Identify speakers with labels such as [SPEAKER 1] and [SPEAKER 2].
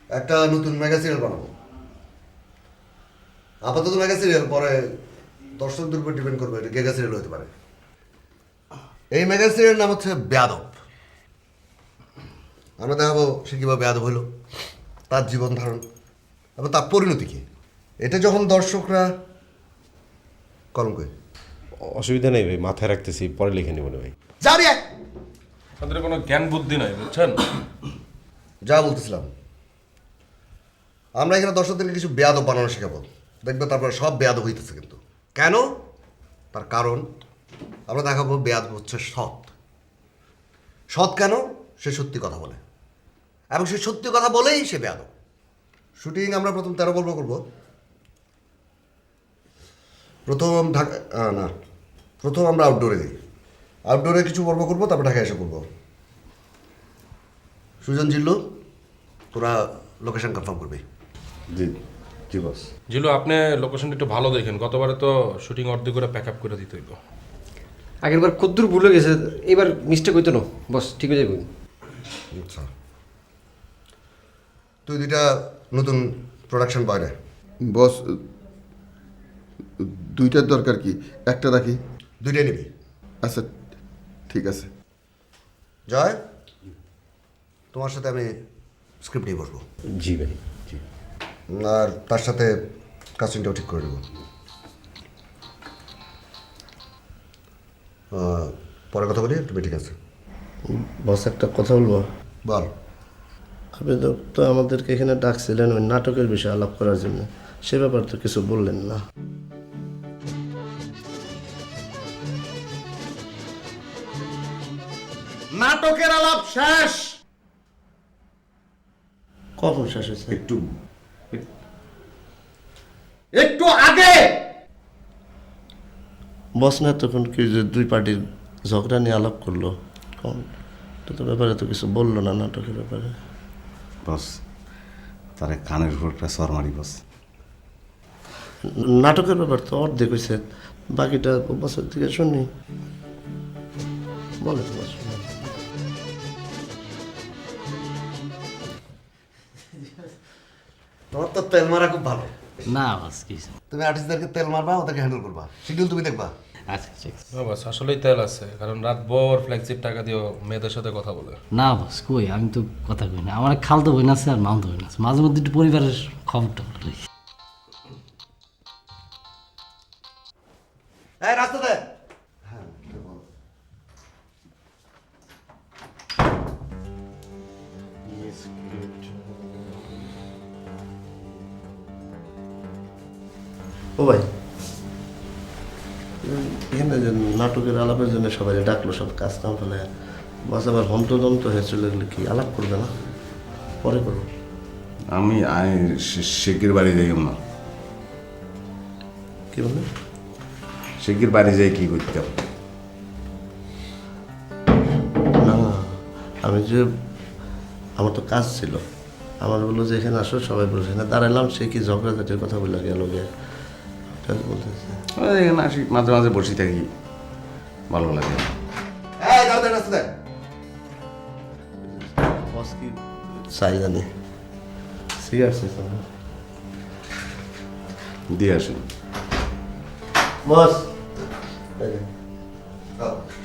[SPEAKER 1] একটা নতুন mega serial বানাবো। আপাতত মেগা সিরিয়াল, পরে দর্শকদের উপর ডিপেন্ড করবে, এটা গেগা সিরিয়াল হতে পারে। এই মেগা সিরিয়াল নাম হচ্ছে বেয়াদব। আমরা দেখাবো সে কীভাবে বেয়াদব হইল, তার জীবন ধারণ এবং তার পরিণতি কী। এটা যখন দর্শকরা কলঙ্কে
[SPEAKER 2] অসুবিধা নেই ভাই, মাথায় রাখতেছি, পরে লিখে নেব না ভাই।
[SPEAKER 1] যাবি
[SPEAKER 3] তাদের কোনো জ্ঞান বুদ্ধি নাই, বুঝছেন?
[SPEAKER 1] যা বলতেছিলাম, আমরা এখানে দর্শকদেরকে কিছু বেয়াদব বানানো শেখাবো। দেখবে তারপরে সব বেয়াদব হইতেছে। কিন্তু কেন? তার কারণ আমরা দেখাবো বেয়াদব হচ্ছে সৎ। সৎ কেন? সে সত্যি কথা বলে, এবং সে সত্যি কথা বলেই সে বেয়াদব। শুটিং আমরা প্রথম 13 পর্ব করবো। প্রথম আমরা আউটডোরে দিই। আউটডোরে কিছু পর্ব করবো, তারপর ঢাকায় এসে করবো। সুজন, জিল্লু, তোরা লোকেশন কনফার্ম করবি।
[SPEAKER 2] জি জি বস।
[SPEAKER 3] জিলু, আপনি লোকেশনটা একটু ভালো দেখেন। গতবারে তো শুটিং অর্ধেক করে প্যাক আপ করে দিতে হইলো।
[SPEAKER 4] আগেরবার কদ্দুর ভুলে গেছে, এবার মিস্টেক হইতো না বস, ঠিক হয়ে যাবে।
[SPEAKER 1] আচ্ছা, তুই দুইটা নতুন প্রোডাকশন বয় রে।
[SPEAKER 5] বস, দুইটার দরকার কি? একটা রাখি।
[SPEAKER 1] দুইটাই নিবি।
[SPEAKER 5] আচ্ছা ঠিক আছে।
[SPEAKER 1] জয়, তোমার সাথে আমি স্ক্রিপ্ট নিয়ে বসবো।
[SPEAKER 2] জি ভাই, জি।
[SPEAKER 1] আর তার সাথে কাস্টিংটাও ঠিক করে দেবো। পরে কথা বলি, তুমি ঠিক আছে?
[SPEAKER 6] বস, একটা কথা বলবো।
[SPEAKER 1] বল।
[SPEAKER 6] আপনি তো আমাদেরকে এখানে ডাকছিলেন ওই নাটকের বিষয়ে আলাপ করার জন্য, সে ব্যাপারে তো কিছু বললেন না।
[SPEAKER 2] নাটকের আলাপ শেষ।
[SPEAKER 6] কখন শেষ হয়েছে?
[SPEAKER 2] একটু আগে।
[SPEAKER 6] বস না তখন কি যে দুই পার্টির ঝগড়া নিয়ে আলাপ করলো, কখন তো ব্যাপারে তো কিছু বললো না নাটকের ব্যাপারে।
[SPEAKER 7] বস, তারে কানের উপর একটা সর মারি বস।
[SPEAKER 6] নাটকের ব্যাপার তো অর্ধেক হয়েছে, বাকিটা বছর থেকে শুনি। বলে তো বস।
[SPEAKER 1] তোমার তো তেল মারা খুব ভালো।
[SPEAKER 8] না বাস কিছু।
[SPEAKER 1] তুমি আর্টিস্টদেরকে তেল মারবা, ওদেরকে হ্যান্ডেল করবা, শিডিউল তুমি দেখবা।
[SPEAKER 8] আচ্ছা ঠিক আছে।
[SPEAKER 3] না বাস, আসলেই তেল আছে, কারণ রাত ভোর ফ্ল্যাগশিপ টাকা দিয়েও মেয়েদের সাথে কথা বলে।
[SPEAKER 8] না বাস কই, আমি তো কথা কই না। আমার খালতো বই আছে আর মামতো বই আছে, মাঝে মধ্যে একটু পরিবারের খবরটা বলি।
[SPEAKER 1] এই রাস্তা দে।
[SPEAKER 6] ও ভাই, এখানে যে নাটকের আলাপের জন্য সবাই ডাকলো, সব কাজ কাম ফেলে বাস আবার হন্তদন্ত হয়ে চলে গেলে কি আলাপ করবে না? পরে করবো।
[SPEAKER 7] আমি শেখির বাড়ি যাই না।
[SPEAKER 6] কি বললেন?
[SPEAKER 7] শেখির বাড়ি যাই কি করতাম?
[SPEAKER 6] না, আমি যে আমার তো কাজ ছিল, আমার বললো যে এখানে আসো, সবাই বলছে না, দাঁড়ালাম, সে কি ঝগড়াঝাটির কথা বলে গেল গে বলতেছে।
[SPEAKER 7] এখানে আসি, মাঝে মাঝে বসে থাকি, ভালো লাগে।
[SPEAKER 1] এই যাও দে, রাস্তা দে।
[SPEAKER 6] বস কি চাই জানি, সিরিয়াস
[SPEAKER 7] দিয়ে আসুন
[SPEAKER 6] বস।
[SPEAKER 1] যাও।